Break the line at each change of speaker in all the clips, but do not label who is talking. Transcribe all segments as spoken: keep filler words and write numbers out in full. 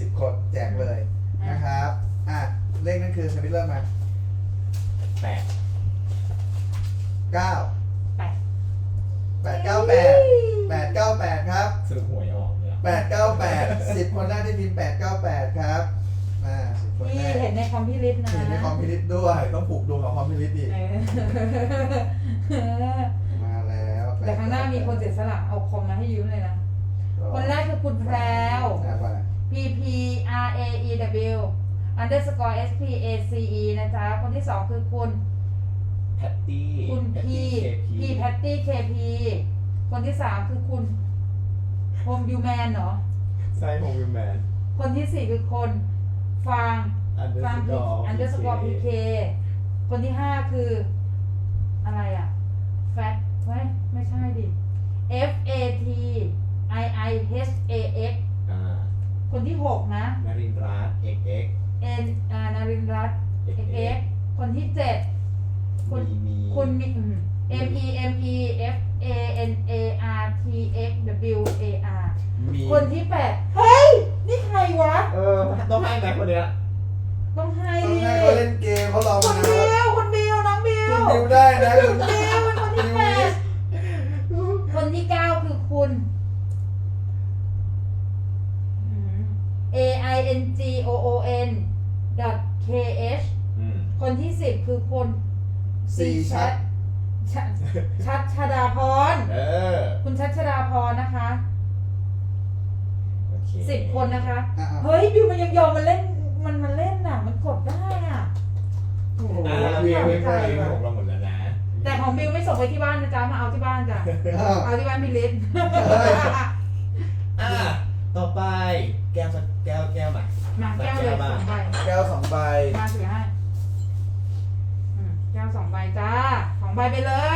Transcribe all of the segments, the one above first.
สิบคนแจกเลยนะครับอ่ะเลขนั้นคือสมิธเริ่มมา
แปด
เก้า
แปด
แปดเก้าแปดแปดเก้าแปดครับ
สรุปหวยออกเนี่ย
แปดเก้าแปดสิบคนแรกที่พิมพ์แปดเก้าแปดครับมาสิบคนแร
พี่
ก
เห็นในคอมพิวเตอร์นะ
เห็นในคอมพิวเตอร์ด้วยต้องผูกดวงกับคอมพิวเตอร์อีกมาแล้ว
แต่ข้างหน้ามีคนเสียสละเอาคอมมาให้ยืมเลยนะคนแรกคือคุณแพรว P P R A E W underscore S P A C E นะจ๊ะคนที่สองคือคุณ
แพตตี้
คุณ P P Patty K P คนที่สามคือคุณโฮมยูแมนเหรอ
ใช่โฮมยูแมน
คนที่สี่คือคนฟางฟางอันเดอร์สกอร์พีเคคนที่ห้าคืออะไรอ่ะแฟตไว้ไม่ใช่ดิ F A T I I H A X
อ่า
คนที่หกนะ
นารินทร์รัตน์ X X
N อ่านารินทร์รัตน์ X X คนที่เจ็ดคุณคุณมี M E M E F A N A R T X W A R คนที่แปดเฮ้ยนี่ใครวะ
เออต้องให้ไหมคนเนี้ย
ต้องให้
ดิ
ต้องให้
เขาเล่นเกมเขาลอง
คุณบิวคุณบิวน้องบิว
คุณบิวได้นะ
คุณบิวเป็นคนที่แปดคนที่เก้าคือคุณ A I N G O O N dot K H คนที่สิบคือคุณ
C ชัด
ชัดชดาพรคุณชัดชดาพรนะคะสิบคนนะคะเฮ้ยบิวมันยังยอมมันเล่นมันมันเล่นน่ะมันกดได้อ่ะ
โอ้โหบิวไม่ได้ของเราหมดแล้วนะ
แต่ของบิวไม่ส่งไปที่บ้านนะจ๊ะมาเอาที่บ้านจ้ะเอาที่บ้านพี่ลิศ
อ่ะต่อไปแก้วแก้วแก้วมา
มาแก้วเลยสองใบ
แก้วสองใบ
มาถือให้แก้วสองใบจ้าสองใบไปเลย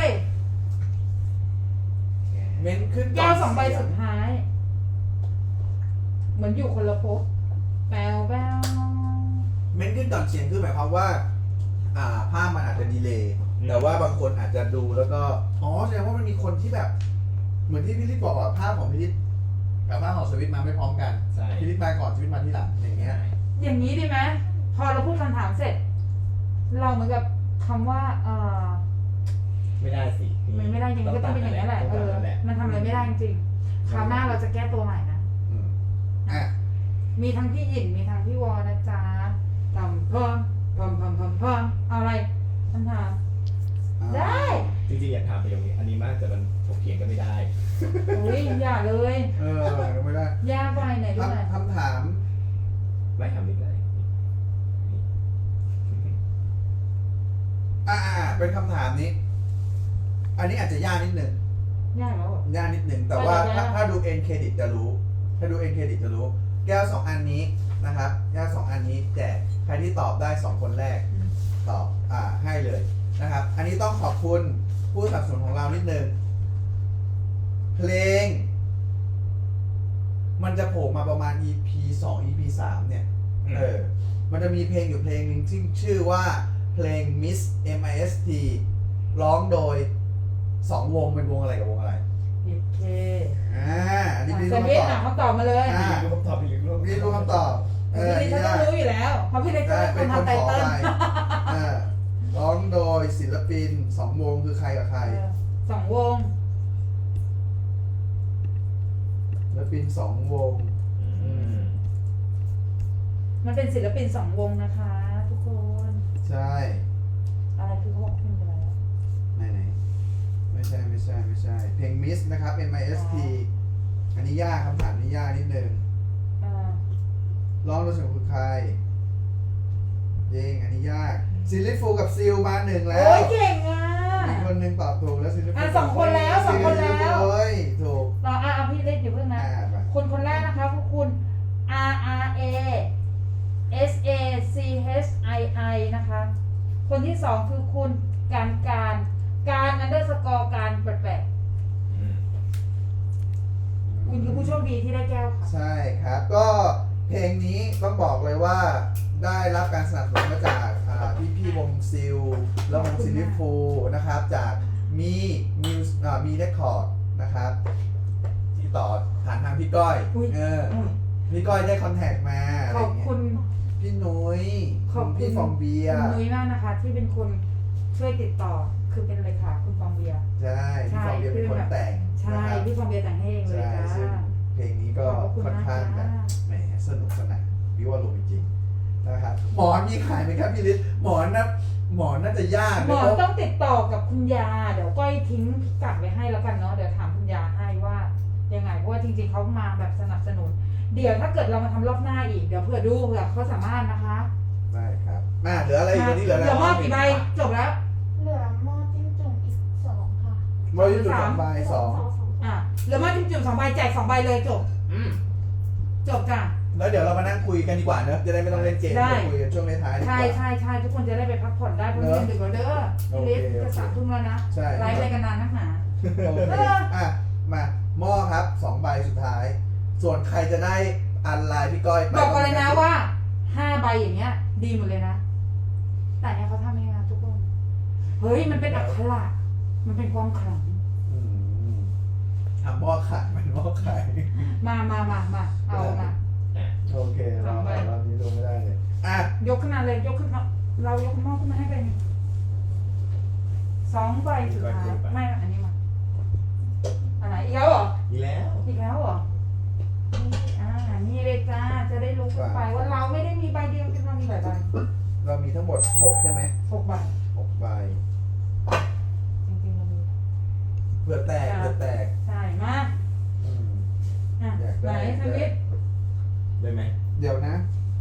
เม้นขึ้น
แก้วสองใบสุดท้ายเหมือนอยู่คนละภพแปลวแปลว
เม้นขึ้นก่อนเสียงคือหมายความว่าอ่าภาพมันอาจจะดีเลย์แต่ว่าบางคนอาจจะดูแล้วก็อ๋อแสดงว่ามันมีคนที่แบบเหมือนที่พี่ลิศบอกว่าภาพของพี่ลิศกับภาพของสวิตมาไม่พร้อมกันพี่ลิศมาก่อนสวิตมาที่หลังอย่างเงี้ย
อย่างนี้ดีไหมพอเราพูดคำถามเสร็จเราเหมือนกับคำว่าเออ
ไม่ได้สิ
มันไม่ได้จริงก็ต้องเป็นอย่างนี้แหละเออมันทำอะไรไม่ได้จริงคราวหน้าเราจะแก้ตัวใหม่นะ
อ่ะ
มีทั้งพี่หยินมีทั้งพี่วอนะจ๊ะทำเพิ่มเพิ่มเพิ่มเพิ่มเพิ่มเอาอะไรคำถามได้
จริงๆอยากถามประโยคนี้อันนี้มากแต่มันถกเถียงกันไม่ได้
อุ้ยอย่าเลย
เออไม่ได้
ยากไปไหนด้วย
คำถาม
ไม่ทำนิดเลย
อ่าเป็นคำถามนี้อันนี้อาจจะยากนิดหนึ่ง
ยากแล้ว
ยากนิดหนึ่งแต่ว่าถ้าถ้าดูเอ็นเครดิตจะรู้ถ้าดูเอ็นเครดิตจะรู้แก้วสองอันนี้นะครับแก้วสองอันนี้แจกใครที่ตอบได้สองคนแรกตอบอ่าให้เลยนะครับอันนี้ต้องขอบคุณผู้สนับสนุนของเรานิดนึงเพลงมันจะโผล่มาประมาณ อี พี สอง อี พี สามเนี่ยเออมันจะมีเพลงอยู่เพลงนึงที่ชื่อว่าเพลง Miss เอ็ม ไอ เอส ที ร้องโดยสองวงเป็นวงอะไรกับวงอะไร
โอเค
อ่าอันนี้พี่
รู้คำตอบเขาตอบมาเลย
อ่า
รู้คำตอบพี่ลิศรู้
พี่รู้คำตอบ
เออพี่ลิศต้องรู้อยู่แล้วเพราะพี่ลิศเป็นคนทำไตเติ้ล
อ่าร้องโดยศิลปินสองวงคือใครกับใคร
สองวง
ศิลปินสองวง
มันเป็นศิลปินสองวงนะคะทุกคน
ใช่
อะไรคือเขาบอกเพลงอะไร
ไหนไหนไม่ใช่ไม่ใช่ไม่ใช่เพลง Miss นะครับ เอ็ม ไอ เอส ที อันนี้ยากคำถามนี้ยากนิดนึงร้องโดยศิลปินคือใครเย่งอันนี้ยากซิลลิฟูกับซิลมาหนึ่งแล้ว
โอ้ยเก่งอ่ะ
มีคนหนึ่งตอบถูกแล้วซิลลิฟู
อ่ะสองคนแล้วสองคนแล้ว
เฮ้ยถูก
ต่ออ่ะพี่เล่นอยู่เพิ่งนะคนคนแรกนะคะคือคุณ R R A S A C H I I นะคะคนที่สองคือคุณการการการอันเดอร์สกอร์การแปลกๆคุณคือผู้โชคดีที่ได้แก้วค่ะ
ใช่ครับก็เพลงนี้ต้องบอกเลยว่าได้รับการสนับสนุนมาจากพี่พี่วงซิลและวงซิลลิฟูนะครับจากมีมิวมีเรคคอร์ดนะครับที่ต่อผ่านทางพี่ก้อยเออพี่ก้อยได้คอนแทคมาอะไร
ขอบ
เงี้ย
คุณ
พี่นุ้ย
ขอบคุณ
พี่ฟองเบีย
คุ
ร์
ณนุ้ยมากนะคะ ที่เป็นคนช่วยติดต่อคือเป็นเลยค่ะคุณฟองเบียร์
ใช่พี่ฟองเบียร์เป็นคนแต่ง
ใช่
นะครับ
พี่ฟองเบียร์แต่งให้เองเลย
ใช่
จ้า
ซึ่งเพลงนี้ก็
ขอบคุณ
ค่อนข้าง
มาก
แบบ
จ้า
แหมสนุกสนานพี่ว่ารู้จริงๆนะครับหมอนมีขายไหมครับพี่ฤทธิ์หมอนนะหมอนน่าจะยาก
หมอ
เพราะ
ต้องติดต่อกับคุณยา เดี๋ยวก้อยทิ้งพิกัดไว้ให้แล้วกันเนาะเดี๋ยวถามคุณยาให้ว่ายังไงเพราะว่าจริงๆเขามาแบบสนับสนุน เดี๋ยวถ้าเกิดเรามาทำรอบหน้าอีกเดี๋ยวเผื่อดูเผื่อเขาสามารถนะคะ
ได้ครับมาเหลืออะไรอีกวันนี้เหลืออะไร
เหลือหม้อกี่ใบจบแล้ว
เหลือหม้อจิ้มจุ่มอีกสองค่ะ
หมออยู่จุดสองใบสอง
อ่ะเหลือหม้อจิ้มจุ่มสองใบแจกสองใบเลยจบ
อืม
จบจ้ะ
แล้วเดี๋ยวเรามานั่งคุยกันดีกว่าเนอะจะได้ไม่ต้องเล่นเกม
ได้
จะคุยกันช่วงท้ายๆดีก
ใช่
ว่า
ใช่ใช่ทุกคนจะได้ไปพักผ่อนได้เพราะเรียนดึกแล้วเด้อพี่เล็ก
โอเค
จะสามทุ่มแล้วนะ
ใช่
ไลฟ์อะไรกันนานนักหนา
โอเค
เออ
อ่ะมาหม้อครับสองใบสุดท้าย ส่วนใครจะได้อันไลน์พี่ก้อยไป
บอกก่อนเลยนะว่าห้าใบอย่างเงี้ย ดีหมดเลยนะ แต่เนี่ยเขาทำเองนะทุกคน เฮ้ยมันเป็นอักขระมันเป็นความขลัง
อืมทำหม้อขายมันหม้อขาย
มามามามาเอามา
โอเคเรา
สองใบ
รอบนี้ลงไม่ได้เลยอ่ะ
ยกขึ้นมาเลยยกขึ้นมาเรายกหม้อขึ้นมาให้ไปหนึ่งสองใบสุดท้ายไม่อันนี้มาอันไหนอีกแล้วเหรอ
อีกแล้ว
อีกแล้วเหรอนี่อ่านี่เลยจ้าจะได้รู้กันไปว่าเราไม่ได้มีใบเดียวที่เรามีหลายใบ
เรามีทั้งหมดหกใช่ไหม
หกใบ
หกใบ
จริงๆเรามี
เผื่อแตกเผื่อแตก
ใช่มา
อืม
อ่ะ
อยาก
ไหน
ได้
ทวิต
ได้ไหม
เดี๋ยวนะ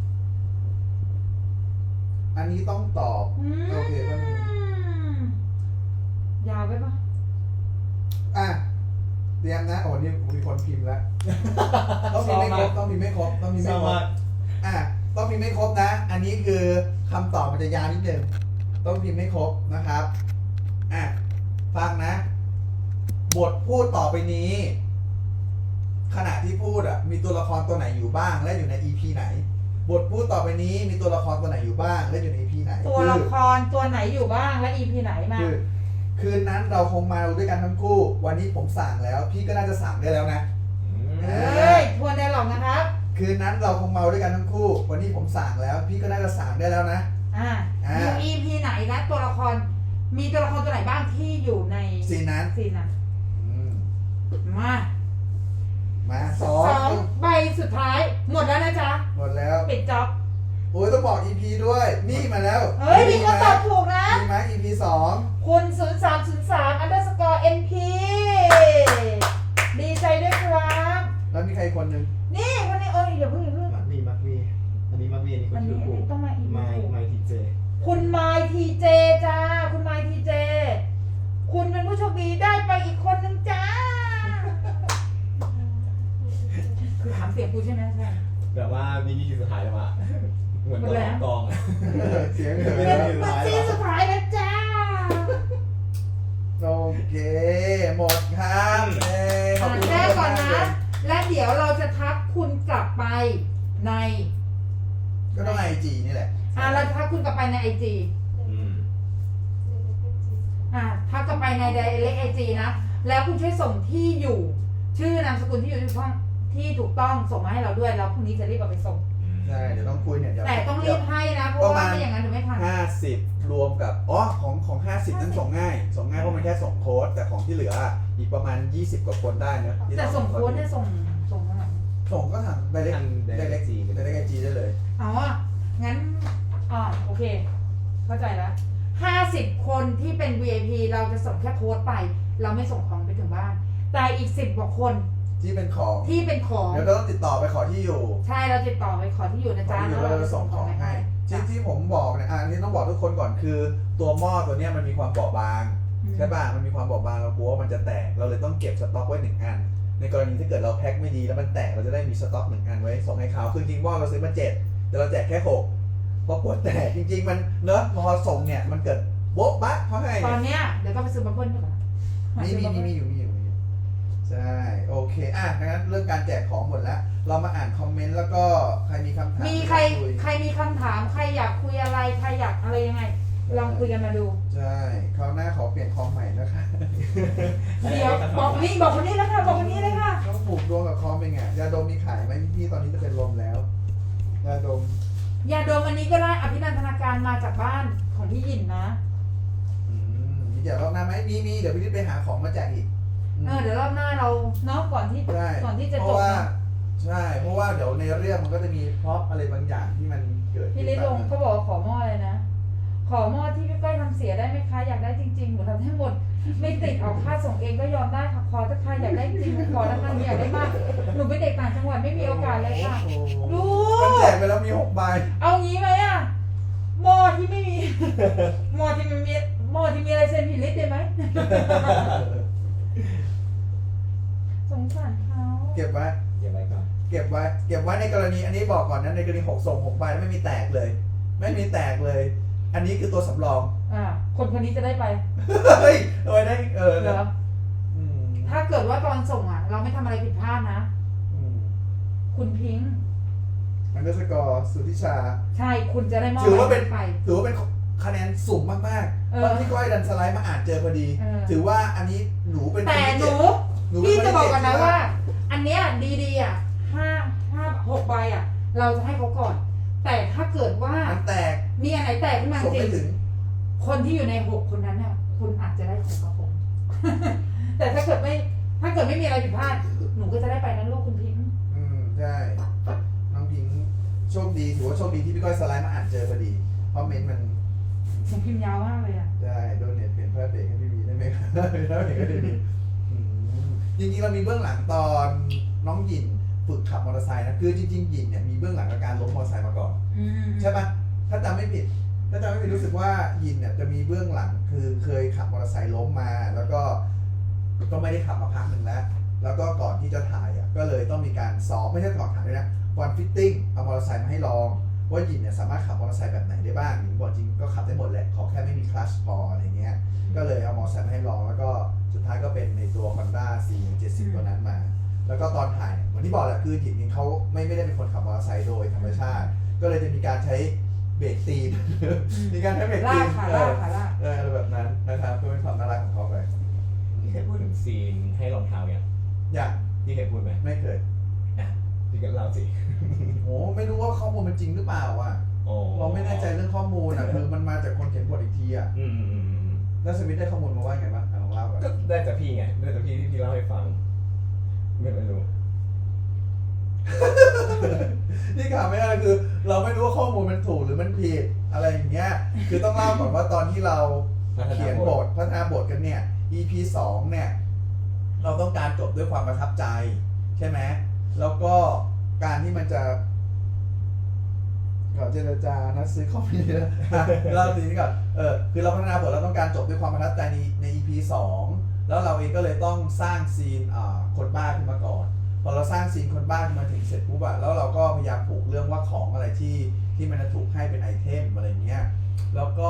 อันนี้ต้องตอบ
อืม
โอเคแป๊บนึง
ยาวไปปะ
อ่ะเตรียมนะโอ้นี่มีคนพิมพ์แล้ว ต้องมีไม่ครบต้องมีไม่ครบต้องมี
ท
ไม่
ราบ
คร
ว่า
บอ่ะต้องมีไม่ครบนะ อันนี้คือคำตอบมันจะยาวนิดนึงต้องพิมพ์ไม่ครบนะครับอ่ะฟังนะ บทพูดต่อไปนี้ ขณะที่พูดอ่ะมีตัวละครตัวไหนอยู่บ้าง และอยู่ใน อี พี ไหน บทพูดต่อไปนี้มีตัวละครตัวไหนอยู่บ้าง และอยู่ใน อี พี ไหน
ตัวละ
คือ
ครตัวไหนอยู่บ้างและ อี พี ไหนมา
คือคืนนั้นเราคงมาด้วยกันทั้งคู่ วันนี้ผมสั่งแล้ว พี่ก็น่าจะสั่งได้แล้วนะ
อืม
เอ้ยทวนได้หรอกนะครับ
คืนนั้นเราคงเมาด้วยกันทั้งคู่ วันนี้ผมสั่งแล้ว พี่ก็น่าจะสั่งได้แล้วนะ
อ่า
อ่า
อยู่ อี พี ไหนนะตัวละครมีตัวละครตัวไหนบ้างที่อยู่ใน
ซีนนั้น
ซีนนั้น
อืม
มา
มาสอ
สอง งใบสุดท้าย หมดแล้วนะจ๊ะ
หมดแล้ว
ปิดจ็อบ
โอ้ยต้องบอก อี พี ด้วย นี่มาแล้ว
เฮ้ยมีคนตอบถูกนะ
มีไหม อี พี สอง
คุณศูนย์สามศูนย์สาม underscore np ดีใจด้วยครับ
แล้วมีใครอีกคนหนึ่ง
นี่คนนี้เอ้ยอย่าเพิ่งอย่าเพิ่ง
มักวีมักวีอันนี้มักวีอันนี้ค
อั
น
น
ชื่
นี้
อ
อัน
กู
นี้ต้องมาอีก
ไมค์ไมค์ทีเจ
คุณไมทีเจจ้า คุณไมทีเจ คุณเป็นผู้โชคดีได้ไปอีกคนนึงจ้า คือถามเสียงกูใช่ไหมใช่
แบบว่าวินี่คือสุดท้ายแล้วอะเหมือนตอนกองอะ
เสียงเห
ไม่
ลื
ได้
อ
มี
มันซีนสุดท้ายแล้วจ้า
โอเค หมดครับเอ้ยขอบคุณ
แรกก่อน
มาก
นะ
เลย
และเดี๋ยวเราจะทักคุณกลับไปใน
ก็ต้องไอจีนี่แหละ
อ่าเราทักคุณกลับไปในไอจี
อืม
อ่าทักกลับไปในไดเรกไอจีนะ แล้วคุณช่วยส่งที่อยู่ ชื่อนามสกุลที่อยู่ที่ถูกต้องที่ถูกต้องส่งมาให้เราด้วย แล้วพรุ่งนี้จะรีบเอาไปส่ง
ใช่เดี๋ยวต้องคุยเนี่ยเดี๋ยว
แต่ต้องรีบให้นะ เพราะว่าไม่อย่างนั้นเดี๋ยวไม่ทัน
ห้าสิบรวมกับอ๋อของของห้าสิบนั้นส่งง่าย ส่งง่ายเพราะมันแค่ส่งโค้ดแต่ของที่เหลืออีกประมาณยี่สิบกว่าคนได้นะที่
แต่
ต้อง
ส่งโค้ดเนี่ยส่งส่งเท่าไหร่
ส่งก็ทางไดเรก
ทาง
ไดเรก
Direct
จีไดเรกจีได้เลย
อ๋อ งั้นอ่าโอเค เข้าใจแล้วห้าสิบคนที่เป็น วี ไอ พี เราจะส่งแค่โค้ดไป เราไม่ส่งของไปถึงบ้าน แต่อีกสิบกว่าคน
ที่เป็นของ
ที่เป็นของ
เดี๋ยวเราต้องติดต่อไปขอที่อยู่
ใช่เราติดต่อไปขอที่อยู่นะ
ขอ
จ๊ะ
ที่อยู่แล้วเราจะส่งของให้ที่ที่ผมบอกเนี่ยอันนี้ต้องบอกทุกคนก่อนคือตัวหม้อตัวเนี้ยมันมีความเบาบาง
อืม
ใช่ป่ะมันมีความเบาบางเรากลัวว่ามันจะแตกเราเลยต้องเก็บสต็อกไว้หนึ่งอัน ในกรณีถ้าเกิดเราแพ็คไม่ดีแล้วมันแตกเราจะได้มีสต็อกหนึ่งอันไว้ส่งให้เขาคือจริงๆหม้อเราซื้อมาเจ็ดแต่เราแจกแค่หกเพราะกลัวแตกจริง ๆ มันเนอะพอส่งเนี่ยมันเกิดโบ๊ะบะเพราะไง
ตอนเนี้ยเดี๋ยวต้องไปซื้อบับเบิ้ลดีกว่า
มีมีมีมีอยู่มีอยู่มีอยู่ใช่โอเคอ่ะงั้นเรื่องการแจกของหมดแล้ว เรามาอ่านคอมเมนต์แล้วก็ใครมีคำถาม
มีใคร
อยากย
ใครมีคำถาม ใครอยากคุยอะไร ใครอยากอะไรยังไงลองคุยกันมาดู
ใช่คราวหน้าขอเปลี่ยนคอมใหม่นะคะ
เดี๋ยวบอกนี่บอกคนนี้แล้วค่ะบอกคนนี้เลยค่ะ
ต้องผูกดวงกับคอมเป็นไงยาดมมีขายไหมพี่ๆตอนนี้จะเป็นลมแล้วยาดม
ยาดมอันนี้ก็ได้อภินันทนาการมาจากบ้านของพี่หยินนะ
อืมมีแจกรอบหน้าไหมมีมีเดี๋ยวพี่นิดไปหาของมาแจกอีกม
เออเดี๋ยวรอบหน้าเราเนาะก่อนที่
ใช่
ก่อนที่จะ
เพ
จ
ราะ
บ
ว่า
นะ
ใช่เพราะว่าเดี๋ยวในเรื่องมันก็จะมีพร็อพอะไรบางอย่างที่มันเกิด
พี่
ขึ้น
ลิลงเขาบอกว่าขอหม้อเลยนะ ขอหม้อที่พี่ก้อยทำเสียได้ไหมคะอยากได้จริงๆหนูทำให้หมดไม่ติดเอาค่าส่งเองก็ยอมได้ค่ะขอถ้าใครอยากได้จริงหนูขอแล้วกันอยากได้มากหนูเป็นเด็กต่างจังหวัดไม่มีโอกาสเลยค่ะ
โอ้โห
ลู
มัน
ก
แจกไปแล้วมีหกใบ
เอางี้ไหมอะหม้อที่ไม่มี หม้อที่ไม่มีหม้อที่มีลายเซ็นผิดลิสต์ได้ไหม สงสารเขา
เก็บไว้
เก็บไว้ก่อน
เก็บไว้ เก็บไว้ในกรณีอันนี้บอกก่อนนะในกรณีหกส่งหกใบไม่มีแตกเลย ไม่มีแตกเลย อันนี้คือตัวสำรอง
อ่าคนคนนี้จะได้ไป
เฮ้ยเอาไว้ได้เออ
เหรอ
อืม
ถ้าเกิดว่าตอนส่งอ่ะ เราไม่ทำอะไรผิดพลาดนะ
อืม
คุณพิงค์
อันเดอร์สกอร์สุทธิชา
ใช่คุณจะได้มอบ
ถือว่าเป็น
ไป
ถือว่าเป็นคะแนนสูงมาก
เอ
ๆ
อ
ตอนที่ก้อยดันสไลด์มาอ่านเจอพอดี
เออ
ถือว่าอันนี้หนูเป็น
แต่
คนที่
ห
เจ็
นู
ดหนูเป็
พี่
ค
จะ
ที่
บอก
เจ็ด
กันนะ
ที่
ว่า อันเนี้ยดีๆอ่ะห้าห้าหกใบอ่ะ เราจะให้เขาก่อน แต่ถ้าเกิดว่า
มันแตก
มีอันไหนแตกขึ้นมา
ส่ง
จริ
ไม่
ง
ถึง
คนที่อยู่ในหกคนนั้นเนี่ยคุณอาจจะได้ของกระผม แต่ถ้าเกิดไม่ ถ้าเกิดไม่มีอะไรผิดพลาด หนูก็จะได้ไปนั้นลูกคุณพิงค์
อืมใช่น้องพิงค์โชคดีถือว่าโชคดีที่พี่ก้อยสไลด์มาอ่านเจอพอดีเพราะเมนต์มัน
หนูพิมพ์ยาวมากเลยอ่ะ
ได้โดนเน็ตเปลี่ยนเพื่อเบรกให้พี่วีได้ไหมครับได้เบรกให้พี่วีอืมจริงๆเรามีเบื้องหลังตอนน้องหยินฝึกขับมอเตอร์ไซค์นะคือจริงๆหยินเนี่ยมีเบื้องหลังกับการล้มมอเตอร์ไซค์มาก่อน
อืม
ใช่ปะถ้าจำไม่ผิด ถ้าจำไม่ผิดรู้สึกว่ายินเนี่ยจะมีเบื้องหลังคือเคยขับมอเตอร์ไซค์ล้มมา แล้วก็ก็ไม่ได้ขับมาพักหนึ่งแล้ว แล้วก็ก่อนที่จะถ่ายอ่ะก็เลยต้องมีการซ้อมไม่ใช่ก่อนถ่ายด้วยนะวันฟิตติ้งเอามอเตอร์ไซค์มาให้ลองว่ายินเนี่ยสามารถขับมอเตอร์ไซค์แบบไหนได้บ้างหญิงบอกจริงก็ขับได้หมดแหละขอแค่ไม่มีคลัตช์พออะไรเงี้ยก็เลยเอามอเตอร์ไซค์มาให้ลอง แล้วก็สุดท้ายก็เป็นในตัว Honda ซี เจ็ดสิบ ตัวนั้นมา แล้วก็ตอนถ่ายเหมือนที่บอกแหละคือหญิงเขาไม่ไม่ได้เป็นคนขับมอเตอร์ไซค์โดยธรรมชาติ ก็เลยจะมีการใช้เบรกตีน มีการใช้เบรก
ลา
ตี
ก
น
ขา
เอ
ลาก
อ
ขาลาก
เอออะไรแบบนั้นนะครับก็เป็นความน่ารักของเขาไป
พี่เคยพูดถึงซีนให้รองเท้าเนี่ย
อย่าง
พี่เคยพูดไหม
ไม่เคย
อ่ะพี่ก็เล่าสิ
โอ้ไม่รู้ว่าข้อมูลมันจริงหรือเปล่าอ่ะ
โอ้
เราไม่แน่ใจเรื่องข้อมูลอ่ะคือมันมาจากคนเขียนบทอีกทีอ่ะ
อืมอืมอืมอืม
แล้วสมิธได้ข้อมูลมาว่าไงบ้างอ่ะลองเล่าก่อน
ก็ได้จากพี่ไงได้จากพี่ที่พี่เล่าให้ฟัง ไม่ไม่รู้
นี่ข่าวไม่ได้คือ เราไม่รู้ว่าข้อมูลมันถูกหรือมันผิดอะไรอย่างเงี้ยคือต้องเล่าก่อนว่าตอนที่เรา
พัฒนาบท
เขียนบทพัฒนาบทกันเนี่ย อี พี สองเนี่ยเราต้องการจบด้วยความประทับใจใช่ไหมแล้วก็การที่มันจะก่อนเจรจานัดซื้อคอมพิวเตอร์เล่าทีนี้ก่อนเออคือเราพัฒนาบทเราต้องการจบด้วยความประทับใจในใน อี พี สองแล้วเราเองก็เลยต้องสร้างซีนอ่าคนบ้าขึ้นมาก่อนพอเราสร้างซีนคนบ้าขึ้นมาถึงเสร็จปุ๊บอะแล้วเราก็พยายามผูกเรื่องว่าของอะไรที่ที่มันจะถูกให้เป็นไอเทมอะไรเงี้ยแล้วก็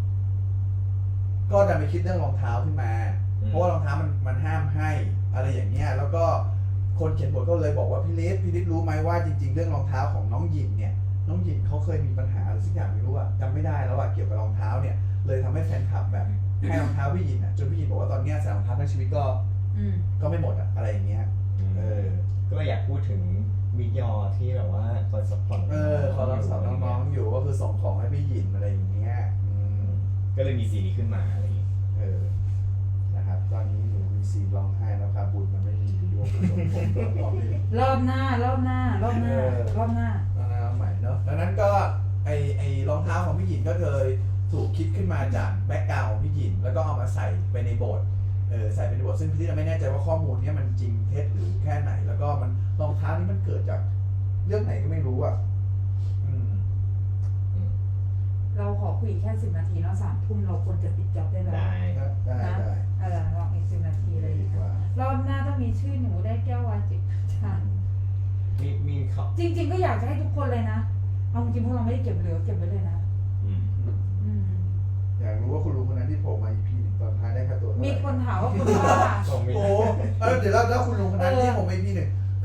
ก็ดันไปคิดเรื่องรองเท้าขึ้นมา เพราะว่ารองเท้ามันมันห้ามให้อะไรอย่างเงี้ย แล้วก็คนเขียนบทก็เลยบอกว่าพี่ลิศพี่ลิศรู้ไหมว่าจริงๆเรื่องรองเท้าของน้องหยินเนี่ย น้องหยินเขาเคยมีปัญหาอะไรสักอย่างไม่รู้อะจำไม่ได้แล้วอะเกี่ยวกับรองเท้าเนี่ย เลยทำให้แฟนคลับแบบให้รองเท้าพี่หยินอะจนพี่หยินบอกว่าตอนเนี้ยใส่รองเท้าทั้งชีวิตก็
อืม
ก็ไม่หมดอะอะไรอย่างเงี้ย เออ
ก็เลยอยากพูดถึงมิกยอที่แบบว่าคอยซัพพอร์ต
เออขอรับสอนน้องๆอยู่ก็คือส่งของให้พี่หยินอะไรอย่างเงี้ยอืม
ก็เลยมีซีนนี้ขึ้นมาอะไรอย่างงี้
เออ นะครับ ตอนนี้หนูมีซีนร้องไห้แล้วครับบุญมันไม่มีอยู่ด้วยผมผมร้องเพลง
รอบหน้ารอบหน้ารอบหน้า
เออ
รอบหน้า
รองเท้าใหม่เนาะดังนั้นก็ไอไอรองเท้าของพี่หยินก็เลยถูกคิดขึ้นมาจากแบ็กกราวด์ของพี่หยินแล้วก็เอามาใส่ไปในโบทเออใส่ไปในโบทซึ่งพี่เราไม่แน่ใจว่าข้อมูลเนี้ยมันจริงเท็จหรือแค่ไหน แล้วก็มันรองเท้านี้มันเกิดจากเรื่องไหนก็ไม่รู้อ่ะอืม
อืม
เราขอคุยแค่สิบนาทีเนาะสามทุ่มเราควรจะปิดจ็อบได้แล้ว
ได้
ได้ได้
นะ
ได้
เออลองอีกสิบนาทีเลย
ดีกว่า
รอบหน้าต้องมีชื่อหนูได้แก้ววายจิบชา
มีมีเขา
จริง ๆ ก็อยากจะให้ทุกคนเลยนะเอาจริงๆพวกเราไม่ได้เก็บเหลือเก็บไว้เลยนะ
อืม
อืม
อืม
อยากรู้ว่าคุณลุงคนนั้นที่โผล่มา อี พี หนึ่งตอนท้ายได้ค่าตัวเท่าไหร่
มีคนถามว่าคุณว่า
ส่งมี
โอ้เออเดี๋ยวแล้วแล้วคุณลุงคนนั้นที่ผม อี พี หนึ่งค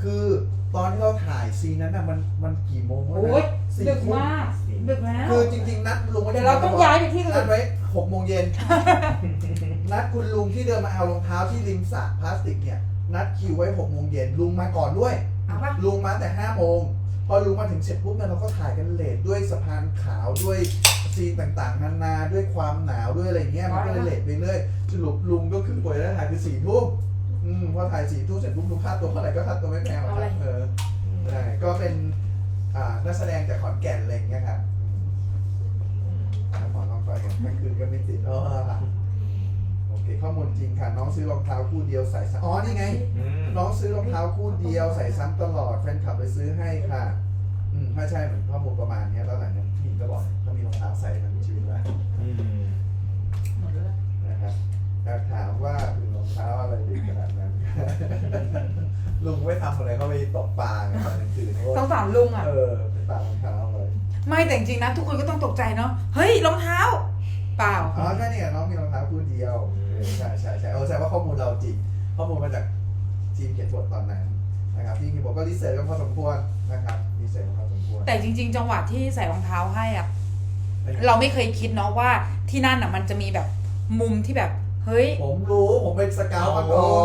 คือตอนที่เราถ่ายซีนนั้นน่ะมันมันกี่โมงวะ
โอ้ย
สี่
ดึก
ทุ่
มากดึกแล้ว
คือจริงๆนัดลุงไว้
เดี๋ยวเราต้องย้ายไปที่อื่น
นัดไว้หกโมงเย็น นัดคุณลุงที่เดินมาเอารองเท้าที่ริมสระพลาสติกเนี่ยนัดคิวไว้หกโมงเย็นลุงมาก่อนด้วย
เอาปะ
ลุงมาแต่ห้าโมงพอลุงมาถึงเสร็จปุ๊บเนี่ยเราก็ถ่ายกันเลทด้วยสะพานขาวด้วยซีนต่างๆนานาด้วยความหนาวด้วยอะไรเงี้ยมันก็เลยเลทไปเรื่อยสรุปลุงก็คือกว่าจะได้ถ่ายคือสี่ทุ่มอืมพอถ่ายสี่ทุ่มเสร็จปุ๊บลุงค่าตัวเท่าไหร่ก็ค่าตัวไม่แพงหรอกครับเออใช่ก็เป็นอ่านักแสดงจากขอนแก่นอะไรอย่างเงี้ยครับอืมแล้วหมอน้องไปกันเมื่อคืนก็ไม่ติดอ๋อโอเคข้อมูลจริงค่ะน้องซื้อรองเท้าคู่เดียวใส่ซ้ำอ๋อนี่ไง
อืม
น้องซื้อรองเท้าคู่เดียวใส่ซ้ำตลอดแฟนคลับไปซื้อให้ค่ะ อืมถ้าใช่เหมือนข้อมูลประมาณเนี้ยแล้วหลังนั้นพี่ก็บอกถ้ามีรองเท้าใส่ทั้งชีวิตแล้ว
อืม
หมดแล้ว
นะครับอยากถามว่าถึงรองเท้าอะไรดีขนาดนั้น ลุงไม่ทำอะไรเขาไปตกปลาไงตอนกลางคืน
ต้องถามลุงอ่ะ
เออไปตามรองเท้าเลย
ไม่แต่จริงๆนะทุกคนก็ต้องตกใจเนาะเฮ้ยรองเท้า เปล่า
อ๋อใช่เนี่ยน้องมีรองเท้าคู่เดียวเออใช่ใช่ใช่เออแสดงว่าข้อมูลเราจริงข้อมูลมาจากทีมเขียนบทตอนนั้นนะครับพี่คิมบอกก็รีเสิร์ชกันพอสมควรนะครับรีเสิร์ชกันพอสมควร
แต่จริง ๆ จังหวะที่ใส่รองเท้าให้อ่ะเราไม่เคยคิดเนาะว่าที่นั่นอ่ะมันจะมีแบบมุมที่แบบเฮ้ย
ผมรู้ผมเป็นสเกาวมาก่อน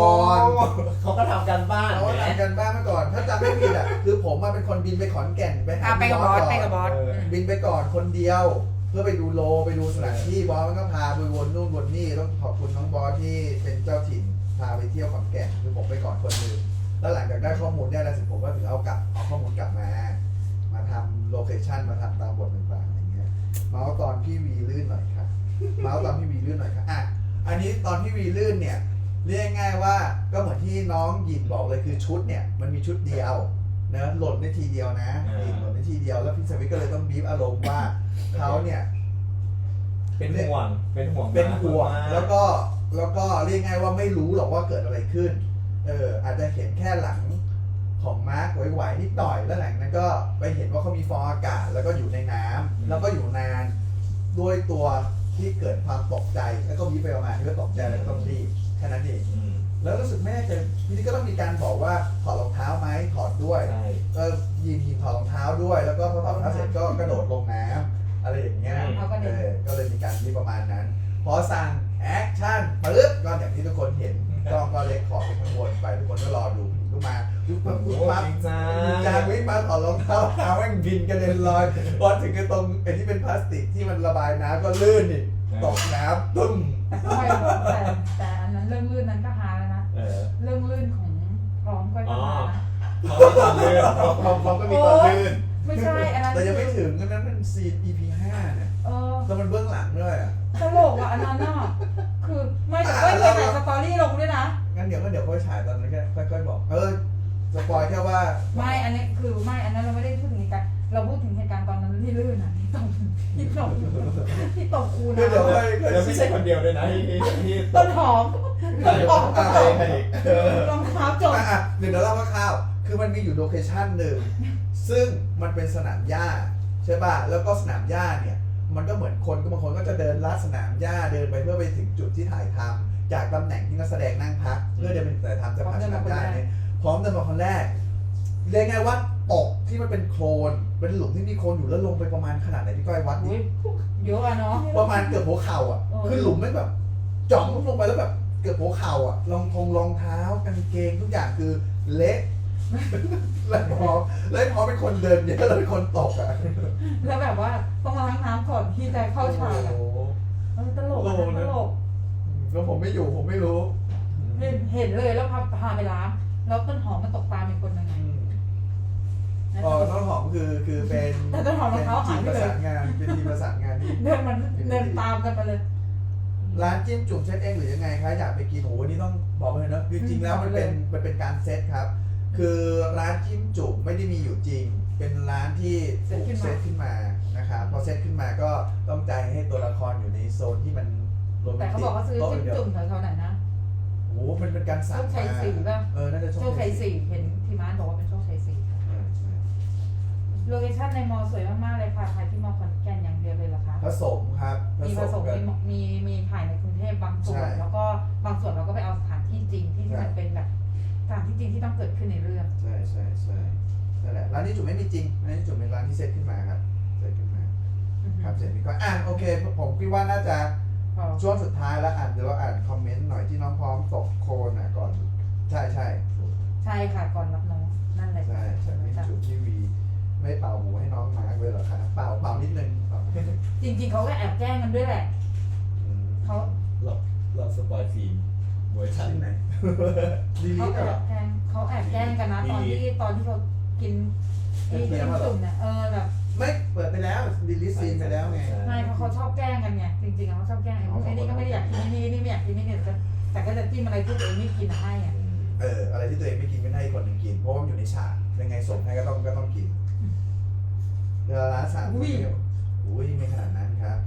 เขาก็ทำกันบ้าน
เขา
แหม
ทำกันบ้านมาก่อน ถ้าจำไม่ผิดอ่ะคือผมมาเป็นคนบินไปขอนแก่นไปหา
อ่ะไปกับบอสไปกับบอส
เออ
ม
บินไปก่อนคนเดียว เพื่อไปดูโลไปดูสถานที่บอสมันก็พาไปวนนู่นวนนี่ต้องขอบคุณน้องบอสที่เป็นเจ้าถิ่นพาไปเที่ยวขอนแก่นคือผมไปก่อนคนหนึงแล้วหลังจากได้ข้อมูลเนี่ยแล้วสิผมก็ถึงเอากลับเอาข้อมูลกลับมา มาทำโลเคชั่นมาทำตามบทต่างๆอย่างเงี้ยเมาส์ตอนพี่วีลื่นหน่อยครับเมาส์ตอนพี่วีลื่นหน่อยครับอ่ะอันนี้ตอนพี่วีลื่นเนี่ยเรียกง่ายๆว่าก็เหมือนที่น้องหยินบอกเลยคือชุดเนี่ยมันมีชุดเดียวนะหล่นได้ทีเดียวนะหยินหล่นได้ทีเดียวแล้วพี่สวิทก็เลยต้องบีบอารมณ์ว่าเขาเนี่ย
เป็นห่วง เป็นห่วง
เป็นห่วง
มาก
แล้วก็แล้วก็เรียกง่ายว่าไม่รู้หรอกว่าเกิดอะไรขึ้นเอออาจจะเห็นแค่หลังของมาร์คไหวๆนิดหน่อยแล้วหลังนั้นก็ไปเห็นว่าเขามีฟองอากาศแล้วก็อยู่ในน้ำแล้วก็อยู่นานด้วยตัวที่เกิดความตกใจแล้วก็มีไปประมาณที่ว่าตกใจแล้วก็ต้องรีบแค่นั้นเอง
อืม
แล้วรู้สึกแม่จะทีนี้ก็ต้องมีการบอกว่าถอดรองเท้าไหมถอดด้วย
ใช่
ก็ยินยินถอดรองเท้าด้วย แล้วก็พอถอดรองเท้าเสร็จก็กระโดดลงน้ำอะไรอย่างเงี้ย
เขาก็
เอ
เดิน
อก็เลยมีการที่ประมาณนั้น พอสั่งแอคชั่นปึ๊บก็อย่างที่ทุกคนเห็นกล้องก็เล็กขอไปข้างบนไปทุกคนก็รอดูผู้หญิงก็มาปุ๊บปั๊บปุ๊บปั๊บ
จริงจ้า
จางวิ่งมาถอดรองเท้าเท้าแม่งบินกระเด็นลอยพอถึงไอ้ตรงไอ้ที่เป็นพลาสติกที่มันระบายน้ำก็ลื่นอีกตกน้ำตึ้ม
ไม่แต่แต่อันนั้นเรื่องลื่นนั้นก็ฮาแล้วนะ
เออ
เรื่องลื่นของพร้อมก็ฮานะ
เขาไม่ตอนเลื่อนเขาเขาเขาก็มีตอนลื่น
ไม่ใช่อันนั้น
แต่ยังไม่ถึงอันนั้นมันซีน อี พี ห้าเนี่ย
เออ
แล้วมันเบื้องหลังด้วยอ่ะ
ตลกอ่ะอันนั้นน่ะคือไม่แต่ก็เคยใส่สตอรี่ลงด้วยนะ
งั้นเดี๋ยวก็เดี๋ยวค่อยฉายตอนนั้นแค่ค่อยๆบอก เออสปอยแค่ว่า
ไม่อันนี้คือไม่อันนั้นเราไม่ได้พูดถึงเหตุการณ์เราพูดถึงเหตุการณ์ตอนนั้นที่ลื่นอ่ะที่ตกที่ตกที่ตกคู
คือเดี๋ยว
นะ
ค่อยค่อย
แล้วไม่ใช่คนเดียวด้วยนะที่ที่ที่
ต้นหอม
ใครใครใครอีกเออ
รองเท้าจบ
อ่ะอ่ะเดี๋ยวเราเล่าคร่าวๆคือมันมีอยู่โลเคชั่นหนึ่งซึ่งมันเป็นสนามหญ้าใช่ป่ะแล้วก็สนามหญ้าเนี่ยมันก็เหมือนคนก็บางคนก็จะเดินลัดสนามหญ้าเดินไปเพื่อไปถึงจุดที่ถ่ายทำจากตำแหน่งที่นักแสดงนั่งพักเพื่อเดินไปถ่ายทำจะผ่านสนามหญ้าเนี่ยพร้อมเดินมาคนแรกเรียกไงว่าตกที่มันเป็นโคลนเป็นหลุมที่มีโคลนอยู่แล้วลงไปประมาณขนาดไหนพี่ก้อยวัดดิ
อุ้ยเยอะอะเนาะ
ประมาณเกือบหัวเข่าอ่ะ
เออ
คือหลุมไม่แบบจ่องลงไปแล้วแบบเกือบหัวเข่าอ่ะรองทงรองเท้ากางเกงทุกอย่างคือเละ แล้วพอแล้วพอเป็นคนเดินเยอะแล้วเป็นคนตกอ่ะ
แล้วแบบว่าต้องล้างน้ำก่อนที่จะเข้าฉากอะ
โอ้โห
เออตลกอะนะตลก
แล้วผมไม่อยู่ผมไม่รู้
เห็นเห็นเลยแล้วพาพาไปล้างแล้วต้นหอมมันตกตามเป็นคนยังไง
อ๋อต้นหอมคือคือเป็น
แต่ต้นหอมรองเท้าหายไป
เป็น
เลย
ทีมประสานงานเป็นทีมประสานงานที่
เดินมันเดินตามกันไปเลย
ร้านจิ้มจุ่มเซตเองหรือยังไงคะอยากไปกินโอ้โหนี่ต้องบอกเลยนะจริงๆแล้วมันเป็นมันเป็นการเซตครับ คือร้านจิ้มจุ่มไม่ได้มีอยู่จริง เป็นร้านที่ถูกเซตขึ้นมานะครับพอเซตขึ้นมาก็ต้องใจให้ตัวละครอยู่ในโซนที่มันโรแม
แต่
น
เขา
ติ
บอกเขาซื้อ
โต๊ะ
จิ้ม
เดียว
จุ่มแถวๆไหนนะ
โอ้โหมันเป็นการสั่ง
โชคชัย
มา
สี่ป่ะ
เออน่าจะ
โชคชัยสี่เห็นพี่ม้านบอกว่าเป็นโชคชัยสี่
เออใช่
โลเคชั่นในมอสวยมากๆเลยค่ะถ่ายที่มอขอนแก่นอย่างเดียวเลยเหรอคะ
ผสมครับ
มีผสม
กัน
มีมีมีถ่ายในกรุงเทพบางส่วน
ใช่
แล้วก็บางส่วนเราก็ไปเอาสถานที่จริงที่
ใช่
มันเป็นแบบตามที่จริงที่ต้องเกิดขึ้นในเรื่อง
ใช่ใช่ใช่นั่นแหละร้านนี้จุ๋มไม่มีจริงร้านนี้จุ๋มเป็นร้านที่เซตขึ้นมาครับเซตขึ้นมาครับเสร็จพี่ก็อ่ะโอเคผมคิดว่าน่าจะ
พอ
ช่วงสุดท้ายแล้วอ่านเดี๋ยวเราอ่านคอมเมนต์หน่อยที่น้องพร้อมตกโคลนอ่ะก่อนใช่ใช่ถูก
ใช่ค่ะก่อนรับน้องนั่นแหละ
ใช่ใช่พี่จุ๋มพี่วีไม่เป่าหูให้น้องมาร์กเลยเหรอคะเป่าเป่านิดนึงเป่านิดนึง
จริงๆเขาก็แอบแกล้งกันด้วยแหละ
อืม
เขา
เราเราสปอยฟิล์มเวอร์ชัน
ที่ไหนลิลิ
เขา
ท
แอ
เหรอบ
แกล้งเขาแอบแกล้งกันนะตอนที่ตอนที่เขากินไอ้
เที
จิ้
ยม
ม
เหรอ
จุ่มเนี่ยเออแบบ
ไม่เปิดไปแล้วลิลิทซีนไปแล้วไง
ไม่เพราะเขาชอบแกล้งกันไงจริงๆอะเขาชอบแกล้งไอ้พวกไอ้นี่ก็ไม่ได้อยากกินไอ้นี่นี่ไม่อยากกินนี่เนี่ยแต่แต่ก็จะจิ้มอะไรที่ตัวเองไม่กินอะให้อ่ะ
เอออะไรที่ตัวเองไม่กินไม่ให้อีกคนหนึ่งกินเพราะว่ามันอยู่ในฉากยังไงส่งให้ก็ต้องก็ต้องกินเวลาร้านสามอุ้ยอุ้ยไม่ขนาดนั้นครับ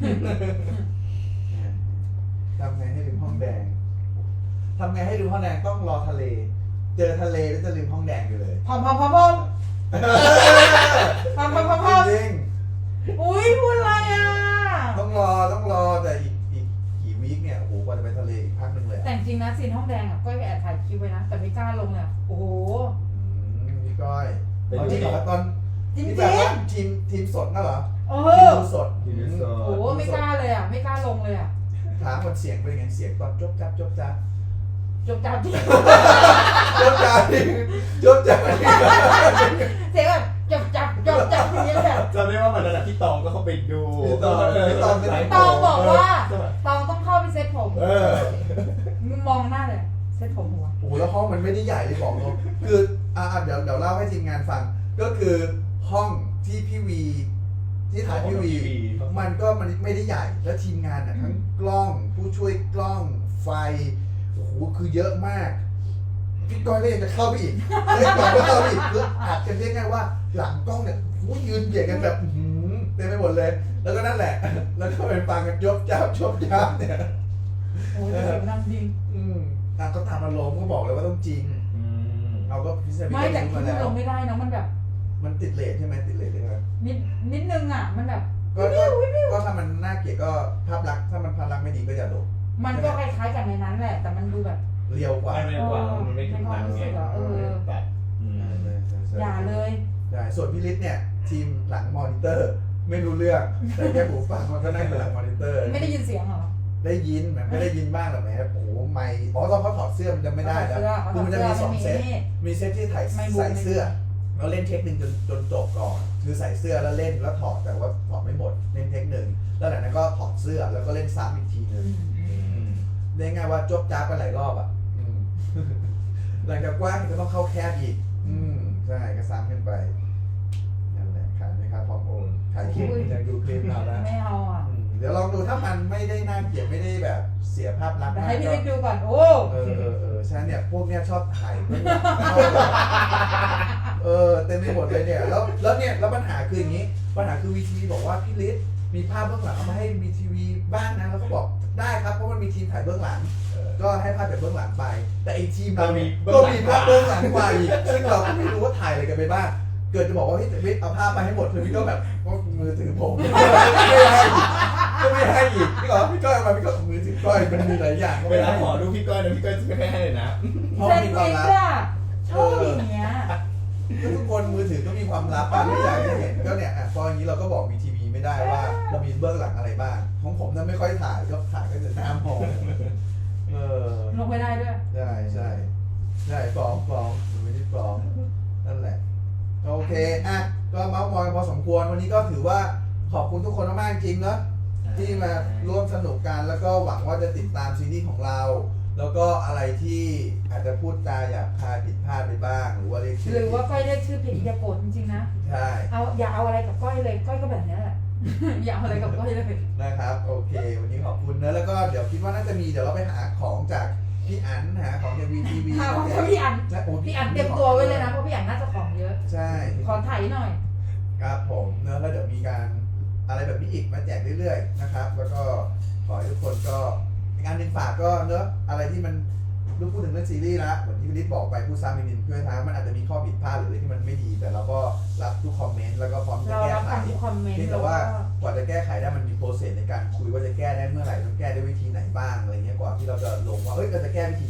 ทำไงให้ลืมห้องแดงทำไงให้ลืมห้องแดงต้องรอทะเล เจอทะเลแล้วจะลืมห้องแดงอยู่เลย
พอมพอมพอมพอมพอมพอมพอมพอม
จริง
อุ้ยพูดอะไรอ่ะ
ๆต้องรอต้องรอแต่อีกอีกกี่วีคเนี่ยโอ้โหกว่าจะไปทะเลอีกพักหนึ่งเลย
แต่
อะ
จริงนะซีนห้องแดงอ่ะก้อยก็แอบถ่ายคลิปไว้นะแต่ไม่กล้าลงเลยอะโอ้โห
อืมพี่ก้อย
ไป
ตอน
ดู
ที่
ดิ
เหรอตอน
จริง
ที่
ๆ
แบบว่าทีมทีมสดน่ะเหรอ
เอ
ทีม
อ
ดูสด
ทีมดูสด
โอ้โหไม่กล้าเลยอ่ะไม่กล้าลงเลยอ่ะ
ถามคนเสียงเป็นไงเสียงตอนจบจับจบจับ
จบจับที่
จบจับจบจับ
เสียงแบบจบจับจบจับอย่างเงี้ยแบบ
จำได้ว่าวันนั้นอะพี่ตองก็เข้าไปดู
พี่ตองพี่ตองเป็น
ตองบอกว่าตองต้องเข้าไปเซ็ตผม
เออ
มึงมองหน้าเลยเซ็ตผมหัว
โอ้โหแล้วห้องมันไม่ได้ใหญ่เลยบอกตรงคืออ่าเดี๋ยวเดี๋ยวเล่าให้ทีมงานฟัง ก็คือห้องที่พี่วี ที่ถ่ายพี่วี มันก็มันไม่ได้ใหญ่แล้วทีมงานอ่ะทั้งกล้องผู้ช่วยกล้องไฟโอ้โหคือเยอะมากพี่ก้อยก็ยังจะเข้าไปอีกเล่นก่อนก็เข้าไปอีกคืออัดกันเรียกง่ายว่าหลังกล้องเนี่ยโอ้โหยืนเบียดกันแบบอื้อหือเต็มไปหมดเลย แล้วก็นั่นแหละ แล้วก็ไปฟังกันยบจ้าบชบจ้าบเนี่ย
โอ้ยเสียงดังจริง
อืมอ่ะก็ตามอารมณ์ก็บอกเลยว่าต้องจริง
อืม
เอาก็พิเศษ
ไม่แต่
รู้
คิด
มา
ว่า
แล้ว
ลงไม่ได้เนอะมันแบบ
มันติดเลทใช่ไหมติดเลทใช่ไหม
นิดนิดนึงอ่ะมันแบบ
ก็ก็ก็ถ้ามันน่าเกลียดก็ภาพลักษณ์ถ้ามันภาพลักษณ์ไม่ดีก็อย่าลง
มันก็คล้ายๆกันในนั้นแหละ แต่มันดูแบบ
เรียวกว่า
ไม่ไม่กว่ามันไม่ถึงนั้นไง
เออ
แบบอืม
อย่าเลย
ใช่ส่วนพี่ฤทธิ์เนี่ยทีมหลังมอนิเตอร์ ไม่รู้เรื่อง แต่แค่หูฟังมันก็นั่งอยู่หลังมอนิเตอร์
ไม่ได้ยินเสียงเหรอ
ได้ยินมันไม่ได้ยินบ้างหรอกแหมโอ้โหไม่อ๋อตอนเขาถอดเสื้อมันจะไม่ได้แล้วคือมันจะมีสองเซตมีเซตที่ถ่ายใส่เสื้อเราเล่นเทคหนึ่งจนจนจบก่อนคือใส่เสื้อแล้วเล่นแล้วถอดแต่ว่าถอดไม่หมดเล่นเทคหนึ่งแล้วหลังนั้นก็ถอดเสื้อแล้วก็เล่นซ้ำอีกทีหนึ่ง
อืม
ได้ง่ายว่าจบจ้าไปหลายรอบอ่ะอืม หลังจากกว้างก็ต้องเข้าแคบอีก อืมใช่ก็ซ้ำขึ้นไปนั่นแหละขายไหมครับพร้อมโอนขายคลิปอยากดูคลิปเราแล้ว
ไม่เอาอ่ะ
อืมเดี๋ยวลองดูถ้ามันไม่ได้น่าเกลียดไม่ได้แบบเสียภาพลักษณ์
แต่
มาก
ให้พี่
ก็
เล็กดูก่อน โอ้
เออเออเออใช่เนี่ยพวกเนี้ยชอบถ่ายเบื้องหลังเออเต็มไปหมดเลยเนี่ยแล้วแล้วเนี่ยแล้วปัญหาคืออย่างนี้ ปัญหาคือวีทีวีบอกว่าพี่ฤทธิ์มีภาพเบื้องหลังเอามาให้วีทีวีบ้างนะแล้วก็บอกได้ครับเพราะมันมีทีมถ่ายเบื้องหลัง ก็ให้ภาพจากเบื้องหลังไป แต่อีกทีมเราเนี่ยก็มีภาพเบื้องหลังกว่าอีกซึ่งเราก็ไม่รู้ว่าถ่ายอะไรกันไปบ้าง เกิดจะบอกว่าพี่วิทย์เอาภาพมาให้หมดคือพี่ก็แบบว่ามือถือผม ไม่ให้อีกก็ไม่ให้อีกพี่ก็พี่ก้อยเอามาพี่ก็มือถือก้อยมันมีหลายอย่างก็
เว
ไม่
ลา
ให้
ขอดูพี่ก้อยนะพี่ก้อยจะไม่ให้เลยนะ
เพราะ
เซน
มีความ
ฟิก
ลับ
อะชอบอย่างเงี้ย
ก็ทุกคนมือถือก็มีความลับอ่ะไม่อยากให้เห็นก็เนี่ยอ่ะพออย่างนี้เราก็บอกวีทีวีไม่ได้ว่าเรามีเบื้องหลังอะไรบ้างของผมนั้นไม่ค่อยถ่ายก็ถ่ายก็จะหน้ามองเออ
ลงไม่ได้ด้วย
ใช่ใช่ใช่ฟ้องฟ้องไม่ได้ฟ้องนั่นแหละโอเคอ่ะก็เมาส์มอยพอสมควรวันนี้ก็ถือว่าขอบคุณทุกคนมากๆจริงเนอะที่มาร่วมสนุกกันแล้วก็หวังว่าจะติดตามซีรีส์ของเรา แล้วก็อะไรที่อาจจะพูดจาหยาบคายผิดพลาดไปบ้าง หรือว่าเรียกชื่
หรือว่าก้อยเรียกชื่อผิดอย่าโกรธจริงๆนะ
ใช่
เอาอย่าเอาอะไรกับก้อยเลยก้อยก็แบบเนี้ยแหละ อย่าเอาอะไรกับก้อยเลย
นะครับโอเค วันนี้ขอบคุณเนอะแล้วก็เดี๋ยวคิดว่าน่าจะมีเดี๋ยวเราไปหาของจากพี่อั๋นหาของจากวีทีวี
ถ้าของพี่อัน
ใช่โ
พี่อันเตรียมตัวไว้เลยนะเพราะพี่อันน่าจะของเยอะ
ใช่
ขอถ่ายหน่อย
ครับผมเนอะแล้วเดี๋ยวมีการอะไรแบบนี้อีกมาแจกเรื่อยๆนะครับ แล้วก็ขอให้ทุกคนก็งานหนึ่งฝากก็เนอะอะไรที่มันรู้พูดถึงเรื่องซีรีส์แล้วเหมือนที่พี่ฤทธิ์บอกไปผู้ซ้ำอีกนิดเพื่อทางมันอาจจะมีข้อผิดพลาดหรืออะไรที่มันไม่ดี แต่เราก็รับทุกคอมเมนต์แล้วก็พร้อมจะ
เรา
แก้
รับ
ไข
ฟังทุกคอมเมนต์
เพียง
แล้
แต่
ว
ว่า
ก็
กว่าจะแก้ไขได้มันมีโปรเซสในการคุยว่าจะแก้ได้เมื่อไหร่ต้องแก้ด้วยวิธีไหนบ้างอะไรเงี้ยกว่าที่เราจะลงว่าเอ้ยเราจะแก้วิธีเนี้ย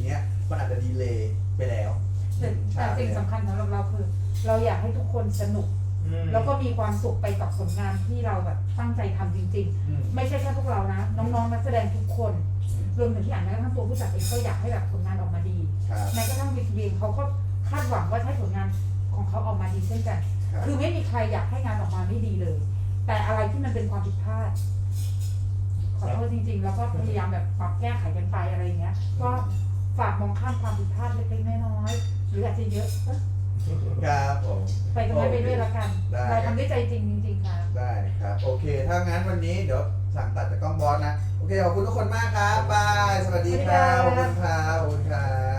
มันอาจจะดีเลย์ไปแล้ว
แต่แต่สิ่งสำคัญสำหรับเราคือ เราอยากให้ทุกคนสนุก แล้วก็มีความสุขไปกับผลงานที่เราแบบตั้งใจทำจริง
อืม
ๆ ไม่ใช่แค่พวกเรานะ น้องๆนักแสดงทุกคน รวมถึงที่อ่านแม้กระทั่งตัวผู้จัดเองก็อยากให้แบบผลงานออกมาดี
ครับ
แม้กระทั่งวีทีเองเขาก็คาดหวังว่าให้ผลงานของเขาออกมาดีเช่นกัน
ครับ
คือไม่มีใครอยากให้งานออกมาไม่ดีเลย แต่อะไรที่มันเป็นความผิดพลาดขอโทษจริง ๆ แล้วก็พยายามแบบปรับแก้ไขกันไปอะไรอย่างเงี้ย ก็ฝากมองข้ามความผิดพลาดเล็กๆน้อยๆหรืออาจจะเยอะเอ้ย
ครับผม
ไปกันไม่ไปด้วยละกัน
ได้
เราทำด้วยใจจริงจริงๆค่ะ
ได้ครับ โอเค ถ้างั้นวันนี้เดี๋ยวสั่งตัดจากกล้องบอสนะ โอเค ขอบคุณทุกคนมากครับบาย สวัสดีครับ ขอบคุณครับ ขอบคุณครับ